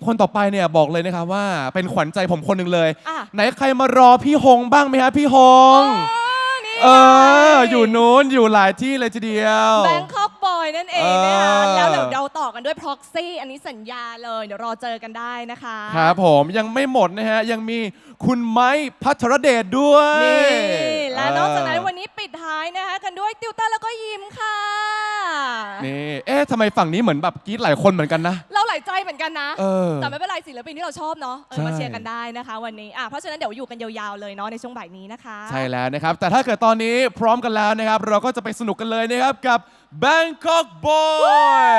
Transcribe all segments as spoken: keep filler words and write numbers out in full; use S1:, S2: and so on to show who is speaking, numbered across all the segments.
S1: คนต่อไปเนี่ยบอกเลยนะครับว่าเป็นขวัญใจผมคนหนึ่งเลย
S2: อ่ะ
S1: ไหนใครมารอพี่ฮงบ้างไหมฮะพี่ฮ
S2: อ๋อง นี่
S1: เอออยู่นู้นอยู่หลายที่เลยทีเดียว
S2: แบงคอกบอยนั่นเองนะคะ
S1: เออ
S2: แล้วเดี๋ยวเราต่อกันด้วย proxy อันนี้สัญญาเลยเดี๋ยวรอเจอกันได้นะคะ
S1: ครับผมยังไม่หมดนะฮะยังมีคุณไม้พัทรเดชด้วย
S2: นี่และนอกจากนั้น
S1: เออ
S2: วันนี้ปิดท้ายนะคะกันด้วยติวเตอร์แล้วก็ยิ้มค่ะ
S1: นี่เอ๊ะทำไมฝั่งนี้เหมือนแบบกรี๊ดหลายคนเหมือนกันนะ
S2: เราหลายใจเหมือนกันนะ
S1: เออ
S2: แต่ไม่เป็นไรศิลปินที่เราชอบเนาะเออ
S1: ใช่
S2: มาเชียร์กันได้นะคะวันนี้อ่ะเพราะฉะนั้นเดี๋ยวอยู่กันยาวๆเลยเนาะในช่วงบ่ายนี้นะคะ
S1: ใช่แล้วนะครับ แต่ถ้าเกิดตอนนี้พร้อมกันแล้วนะครับ เราก็จะไปสนุกกันเลยนะครับกับ Bangkok Boy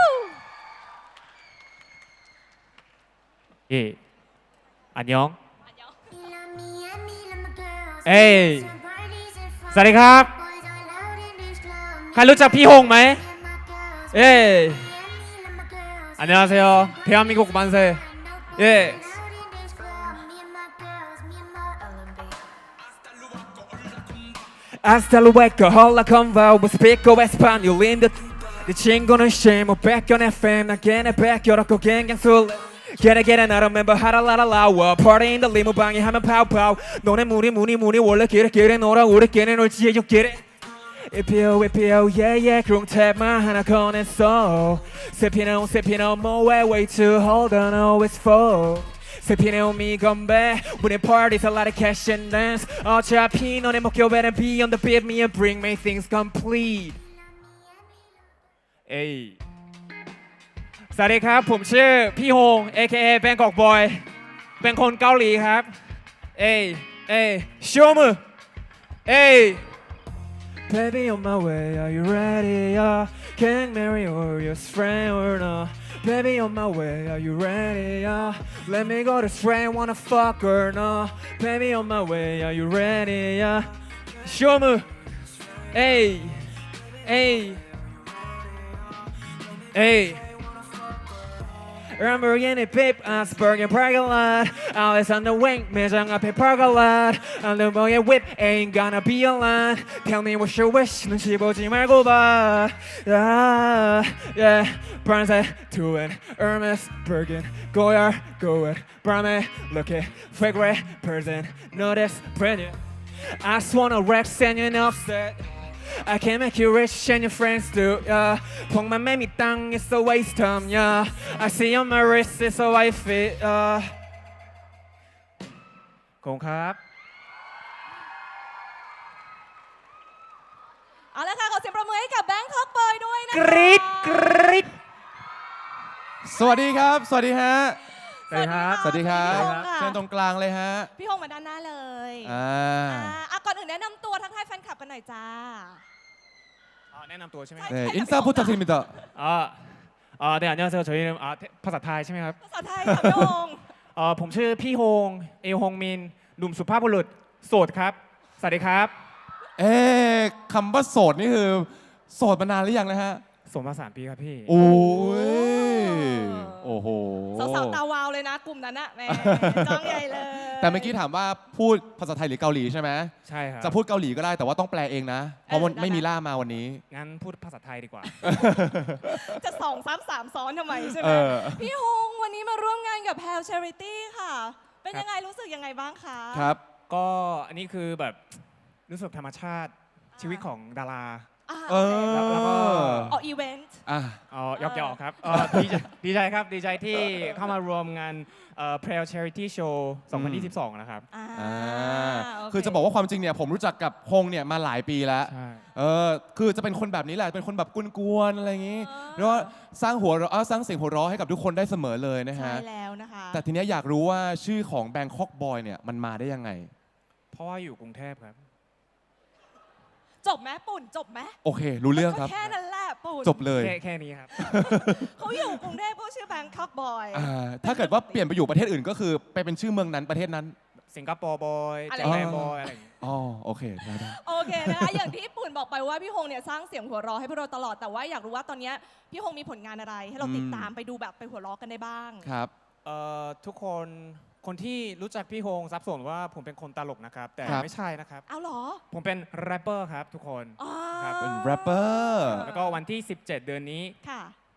S3: 예, 안녕. 에이, สวัสดีครับ ใครรู้จักพี่ฮงไหม 예, 안녕하세요. 대한민국 만세. 예. Hasta luego, hola con va, we speak español in the 내 친구는 쉐모 백견 에프엠 난 걔네 백여라고 갱갱 술 Get it, get it, I remember how to la la la wa Party in the limo 방에 하면 pow pow 너네 무늬 무늬 무늬 원래 get it, get it 너랑 우리끼리 놀지 you get it 이피오 이피오 yeah yeah 그rum탭만 하나 꺼냈어 세피노 세피노 뭐해 way too hold on always fall 세피노 미 건배 When it parties a lot of cash and dance 어차피 너네 목표배는 be on the beat me and bring me things complete เอ้ยสวัสดีครับผมชื่อพี่ฮง เอ เค เอ Bangkok Boy เป็นคนเกาหลีครับเอ้ยเอ้ยโชว์มือเอ้ย Baby on my way are you ready yeah can marry or your friend or not Baby on my way are you ready yeah let me go to friend wanna fuck or not Baby on my way are you ready yeah โชว์มือเอ้ยเอ้ยHey, Lamborghini Pip, Asperg and parking lot. Alice on the wing, 매장 앞에 parking lot. On the boy whip, ain't gonna be a line. Tell me what's your wish, 눈치 보지 말고 봐. Yeah, yeah. Bronze, to it. Hermes, Bergen, Goyard, go it. Brahme, look it. Fake red person, notice, brand new. I just wanna wreck, send you an offset. I can make you rich and your friends do, yeah. 폭만 매미 땅, it's a waste time, yeah. I see on my wrist, it's a white fit, yeah. ขอบคุณครับ
S2: เอาละค่ะขอเสียงประมือให้กับแบงคอกบอยด้วยนะคะ
S3: กรี๊ดกรี๊ด
S1: สวัสดีครับ สวัสดีฮะ
S3: สวัสดีครับ
S1: สวัสดีครับ
S2: พี่ฮงค่ะ
S1: เชิญตรงกลางเลยฮะ
S2: พี่ฮงมาด้านหน้าเลย
S1: อ่า
S2: อ่าอ่ะก่อนอื่นแนะนำตัวทักทายแฟนคลับกันหน่อยจ้า
S3: 아, แนะนำตัวใช่ไหม
S1: 네, 인사 부탁드립니다.
S3: 아, 아, 네, 안녕하세요. 저희는 아, 태- ภาษาไทยใช่ไหมครับ
S2: ภาษาไทยค่ะพี่ฮง
S3: เอ่อผมชื่อพี่ฮง เอฮงมิน หนุ่มสุภาพบุรุษ โสดครับ สวัสดีครับ
S1: เอ๊ะคำว่าโสดนี่คือโสดมานานหรือยังนะฮะ
S3: สมมาสามปีครับพี่
S1: โอ้ย โอ้โห
S2: สาวๆตาวาวเลยนะกลุ่มนั้นอะแหม่จ้องใหญ่เลย
S1: แต่เมื่อกี้ถามว่าพูดภาษาไทยหรือเกาหลีใช่ไหม
S3: ใช่ครับ
S1: จะพูดเกาหลีก็ได้แต่ว่าต้องแปลเองนะ เพราะมันไม่มีล่ามมาวันนี้
S3: งั้นพูดภาษาไทยดีกว่า
S2: จะสองซ้ำสามซ้อนทำไมใช่ไห
S1: เอ
S2: ม
S1: อ
S2: พี่ฮงวันนี้มาร่วมงานกับ Pal Charity ค่ะ เป็นยังไงรู้สึกยังไงบ้างคะ
S1: ครับ
S3: ก็อันนี้คือแบบรู้สึกธรรมชาติชีวิตของดารา
S2: อ่า
S1: เอ
S2: โอเค
S1: อ
S3: แล้วก็
S2: ออกอีเวนต์
S1: อ่ะ
S3: อ๋อยอกยอกครับเอ่อดีใจดีใจครับ ดีใจที่เข้ามารวมงานเอ่อ Pale Charity Show สองพันยี่สิบสอง นะครับ
S2: อ่า
S1: อ่า
S2: โเ
S1: คือจะบอกว่าความจริงเนี่ยผมรู้จักกับฮงเนี่ยมาหลายปีแล้ว
S3: ใช่
S1: เออ คือจะเป็นคนแบบนี้แหละ เป็นคนแบบกวนๆอะไรอย่างนี้
S2: อ๋อ
S1: แล้วก็สร้างหัวเราะเอ้าสร้างเสียงหัวเราะให้กับทุกคนได้เสมอเลยนะ
S2: ใช่
S1: ฮะ
S2: แล้วนะคะ
S1: แต่ทีเนี้ยอยากรู้ว่าชื่อของ Bangkok Boy เนี่ยมันมาได้ยังไง
S3: เพราะว่าอยู่กรุงเทพครับ
S2: จบไหมปุ่นจบไหม
S1: โอเค รู้เรื่องครับ
S2: ก็แค่นั้นแหละปุ่น
S1: จบเลย
S3: แค่แค่นี้ครับ
S2: เขาอยู่กรุงเทพเขาชื่อ Bangkok Boy
S1: อ่าถ้าเกิดว่าเปลี่ยนไปอยู่ประเทศอื่นก็คือไปเป็นชื่อเมืองนั้นประเทศนั้น
S3: สิงคโปร์บอย
S2: อะไร
S3: เจแปนบอยอะไรอย่างเงี้ย
S1: อ๋อ โอเค ได้ได้
S2: โอเคนะคะอย่างที่ปุ่นบอกไปว่าพี่ฮงเนี่ยสร้างเสียงหัวเราะให้พวกเราตลอดแต่ว่าอยากรู้ว่าตอนเนี้ยพี่ฮงมีผลงานอะไร ให้เราติดตามไปดูแบบไปหัวเราะกันได้บ้าง
S1: ครับ
S3: เอ่อทุกคน คนที่รู้จักพี่ฮงซับซ้อนว่าผมเป็นคนตลกนะครับ แต่
S1: ครับ
S3: ไม่ใช่นะครับ
S2: เอาเหรอ
S3: ผมเป็นแรปเปอร์ครับทุกคน
S2: อ๋อ
S3: ครับ
S1: เป็นแรปเปอร์
S3: แล้วก็วันที่ สิบเจ็ด เดือนนี้
S2: ค่ะ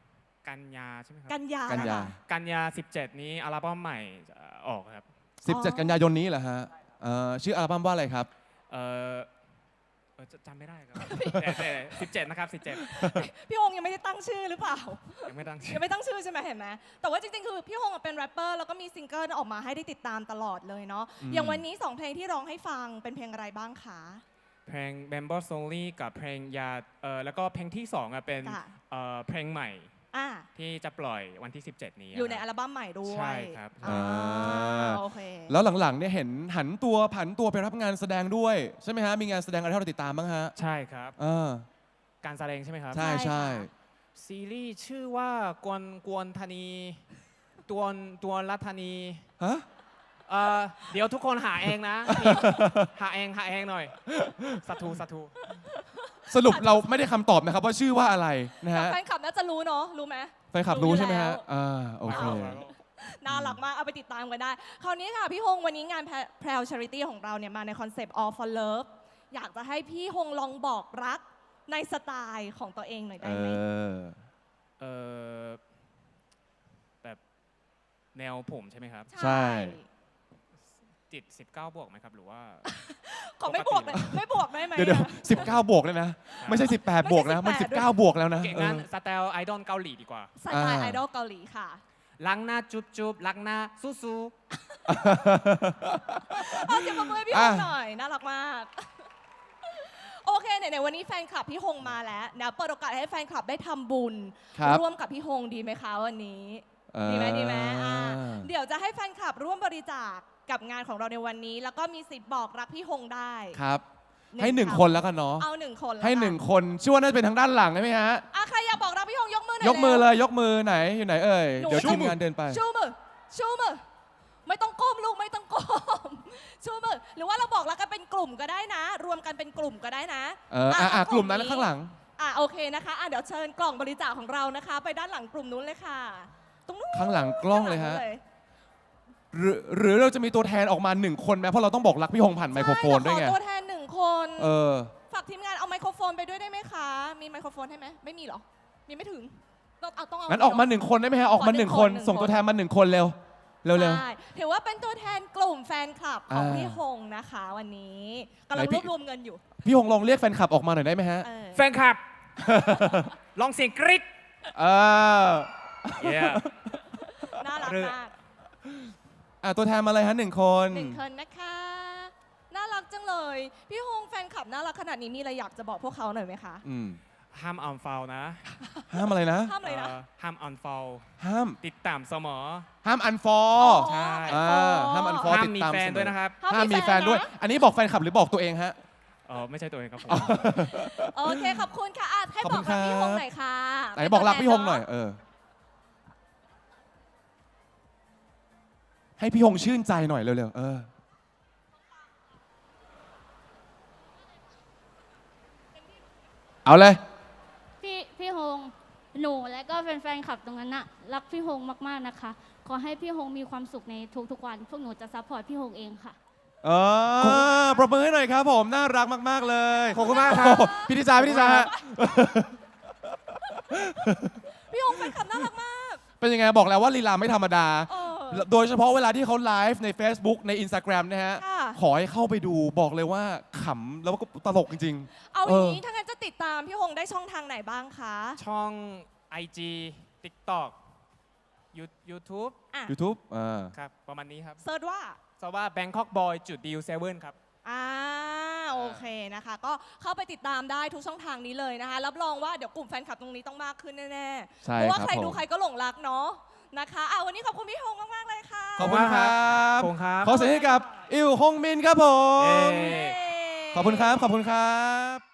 S3: กันยาใช่ไหมครับ
S2: กันยา
S1: กันยา
S2: ค่ะ
S3: กันยาสิบเจ็ดนี้อัลบั้มใหม่จะออกครับ
S1: สิบเจ็ด กันยายนนี้เหรอฮะเอ่อชื่ออัลบั้มว่าอะไรครับ
S3: เออเออจะจำไม่ได้ครับ แต่แต่สิบเจ็ดนะครับสิบเจ็ด
S2: พี่ฮงยังไม่ได้ตั้งชื่อหรือเปล่า
S3: ยังไม่ตั้งชื่
S2: ยั
S3: อ
S2: งไม่ตั้งชื่อใช่ไหมเห็นไหมแต่ว่าจริงๆ คือพี่ฮงอะเป็นแรปเปอร์แล้วก็มีซิงเกิลออกมาให้ได้ติดตามตลอดเลยเนาะ
S1: อืม
S2: อย่างวันนี้สองเพลงที่ร้องให้ฟังเป็นเพลงอะไรบ้างคะ
S3: เพลง b a m b o s o n l y กับเพลงยาเออแล้วก็เพลงที่สองอ่ะเป็น
S2: ค่ะ
S3: เออเพลงใหม่
S2: อ่า
S3: ที่จะปล่อยวันที่สิบเจ็ดนี้
S2: อยู่ใน
S3: ค
S2: อั
S3: รับ
S2: ลบั้มใหม่ด้วย
S3: ใช่ครับ
S2: อ่า
S1: อ่า
S2: โอเค
S1: แล้วหลังๆเนี่ยเห็นหันตัวผันตัวไปรับงานแสดงด้วย ใช่ไหมฮะ มีงานแสดงอะไรให้เราติดตามบ้างฮะ
S3: ใช่ครับ
S1: เออ
S3: การแสดงใช่ไหมครับ
S1: ใช่
S2: ใช่
S1: ใช่
S2: ค่ะ
S3: ซีรีส์ชื่อว่ากวนกวนธนีตวนตวนรัธนี
S1: ฮะ
S3: เออเดี๋ยวทุกคนหาเองนะ หาเองหาเองหน่อยสัทูสัทู
S1: สรุปเราไม่ได้คำตอบนะครับว่าชื่อว่าอะไรนะ
S2: แต่
S1: ฮะ
S2: แฟนคลับน่าจะรู้เนาะรู้ไหม
S1: แฟนคลับรู้
S2: รู้อยู่
S1: ใช่ไหมฮะ
S2: แล้ว
S1: อ่าโอเค
S2: น่ารักมาก เอาไปติดตามกันได้ คราวนี้ค่ะ พี่ฮงวันนี้งานแพรวชาริตี้ของเราเนี่ยมาในคอนเซปต์ all for love อยากจะให้พี่ฮงลองบอกรักในสไตล์ของตัวเองหน่อย
S1: เอ
S2: ได้ไหม
S1: อ
S3: เออแบบแนวผมใช่ไหมครับ
S1: ใช่
S3: จิตสิบเก้าบวกไหมครับ หรือว่า
S2: ขอไม่บวกเลยไม่บวกได้ไหม
S1: เดี๋ยวเดี๋ยว
S2: อะ
S1: สิบเก้าบวกเลยนะ ไม่ใช่สิบแปดบวกนะ มัน
S2: ไม่ใช่
S1: สิบ
S2: สิบแป
S1: เก้า
S2: ด
S1: บวกแล้วนะ
S3: เก่ง
S1: เอ
S3: งั้น
S1: อ
S3: สไตล์ไอดอลเกาหลีดีกว่า
S2: สไตล์
S1: อ่า
S2: ไอดอลเกาหลีค่ะ
S3: ล้างหน้าจุ๊บจุ๊บล้างหน้าสู้สู้
S2: เอาเสียงปรบมือให้พี่ฮ
S1: อ่ะ
S2: งหน่อย น่ารักมาก โอเคไหนๆวันนี้แฟนคลับพี่ฮงมาแล้วนะเปิดโอกาสให้แฟนคลับได้ทำบุญ
S1: ครับ
S2: ร่วมกับพี่ฮงดีไหมคะวันนี้
S1: เออ
S2: ดีไหมดีไหมอ่าเดี๋ยวจะให้แฟนคลับร่วมบริจาคกับงานของเราในวันนี้ แล้วก็มีสิทธิ์บอกรักพี่ฮงได้
S1: ครับ
S2: หนึ่ง
S1: ให้หนึ่ง
S2: คำ
S1: คนแล้วกันเนาะ
S2: เอาหนึ่งคนแล้ว
S1: ให้
S2: กั
S1: หนึ่งคนชื่อว่าน่าจะเป็นทางด้านหลังใช่ไหมฮะ
S2: อ่ะใครอยากบอกรักพี่ฮงยกมือหน่อย
S1: ยกมือ
S2: ร็ว
S1: เลยยกมือไหนอยู่ไหนเอ่ย
S2: หนู
S1: เดี๋ยวทีมงานเดินไป
S2: ชูมือชูมือไม่ต้องก้มลูกไม่ต้องก้ม ชูมือหรือว่าเราบอกรักกันเป็นกลุ่มก็ได้นะ รวมกันเป็นกลุ่มก็ได้นะ
S1: เอออ่ะอ่ะ
S2: อ่ะ
S1: กลุ่มนั้นข้างหลัง
S2: อ่ะโอเคนะคะอ่ะเดี๋ยวเชิญกล่องบริจาคของเรานะคะ ไปด้านหลังกลุ่มนู้นเลยค่ะ ตรงนู้น
S1: ข้างหลังกล้องเลยฮะ
S2: ข้างหง
S1: หรือหรือเราจะมีตัวแทนออกมาหนึ่งคนไหมเพราะเราต้องบอกรักพี่ฮงผ่านไมโครโฟนด้วยไง
S2: ใช่เราขอตัวแทนหนึ่งคน
S1: เออ
S2: ฝากทีมงานเอาไมโครโฟนไปด้วยได้ไหมคะ มีไมโครโฟนให้ไหมไม่มีเหรอ มีไม่ถึงต้องเอาต้องเอา
S1: งั้นออกมาหนึ่งคนได้ไหมฮะ ออกมาหนึ่งคน
S2: หนึ่งคน
S1: ส่งตัวแทนมาหนึ่งคนเร็ว เร็วเร็ว
S2: ใช่ถือว่าเป็นตัวแทนกลุ่มแฟนคลับของ
S1: อ่า
S2: พี่ฮงนะคะวันนี้กำลัง
S1: ไหนพี่
S2: รวบรวมเงินอยู่
S1: พี่ฮงลองเรียกแฟนคลับออกมาหน่อยได้ไหมฮะ
S2: เออ
S3: แฟนคลับ ลองเสียงกรี๊ด
S1: เออ
S3: Yeah
S2: น่ารักมาก
S1: อ่ะตัวแทนมาเลยฮะหนึ่งคน
S2: หนึ่งคนนะคะ น่ารักจังเลย พี่ฮงแฟนคลับน่ารักขนาดนี้มีอะไรอยากจะบอกพวกเขาหน่อยไหมคะ
S1: อืม
S3: ห้ามอันฟอลนะ
S1: ห้ามอะไรนะ
S2: ห้ามเลยนะ
S3: เอ่อห้ามอันฟอล
S1: ห้าม
S3: ติดตามเสมอ
S1: ห้ามอันฟอ
S2: อ๋อ
S3: ใช่
S1: อ่าห้าม unfollow
S3: ห้าม
S1: ติด
S3: มี
S1: ตาม
S3: แฟน
S1: เสมอ
S3: ด้วยนะครับ
S1: ห้ามมีแฟนด้วย
S2: นะ
S1: อันนี้บอกแฟนคลับหรือบอกตัวเองฮะ
S3: เออไม่ใช่ตัวเองครับผม
S2: โอเค ขอบคุณค่ะอ่ะให้
S1: ขอบ
S2: บ
S1: คุ
S2: อก
S1: ณ
S2: รักพี่
S1: ค
S2: ฮ
S1: รับ
S2: งหน่อยค่ะ
S1: ไหนบอกรักพี่ฮงหน่อย เออ ให้พี่ฮงชื่นใจหน่อยเร็วๆ เออ เอาเลย
S4: พี่พี่ฮงหนูและก็แฟนๆขับตรงนั้นนะรักพี่ฮงมากๆนะคะ ขอให้พี่ฮงมีความสุขในทุกๆวัน พวกหนูจะซัพพอร์ตพี่ฮงเองค่ะ
S1: เออปรบมือให้หน่อยครับผม น่ารักมาก ๆ เลย
S3: ขอบคุณมากครับ
S1: โอ้โหพี่ทิจาพี่ทิจาฮะ
S2: พี่ฮงแฟนคลับน่ารักมาก
S1: เป็นยังไงบอกแล้วว่าลีลาไม่ธรรมดา
S2: เออ
S1: โดยเฉพาะเวลาที่เขาไลฟ์ใน Facebook ใน Instagram นะฮะ
S2: ค่ะ
S1: ขอให้เข้าไปดูบอกเลยว่าขำแล้วก็ตลกจริง
S2: เอา
S1: เอ
S2: อ
S1: อ
S2: ย่างนี้ถ้างั้นจะติดตามพี่ฮงได้ช่องทางไหนบ้างคะ
S3: ช่อง ไอ จี TikTok ยู YouTube
S2: อ่ะ
S1: ๆ YouTube อ่า
S3: ครับ ประมาณนี้ครับ
S2: เซิร์ชว่า
S3: สว่า Bangkok Boy จุด Deal เซเว่นครับ
S2: อ่าโอเคนะคะ ก็เข้าไปติดตามได้ทุกช่องทางนี้เลยนะคะ รับรองว่าเดี๋ยวกลุ่มแฟนคลับตรงนี้ต้องมากขึ้นแน่ๆ
S1: ใช่
S2: เพราะว่า
S1: ครับ
S2: ใคร
S1: ผม
S2: ดูใครก็หลงรักเนาะนะคะอ่ะวันนี้ขอบคุณพี่ฮงมากๆเลยค่ะ
S1: ขอบคุณครับ
S3: ขอบคุณครับ
S1: ขอเสียงให้กับอิวฮงมินครับผม
S3: เย้
S2: เย้
S1: ขอบคุณครับ ขอบคุณครับ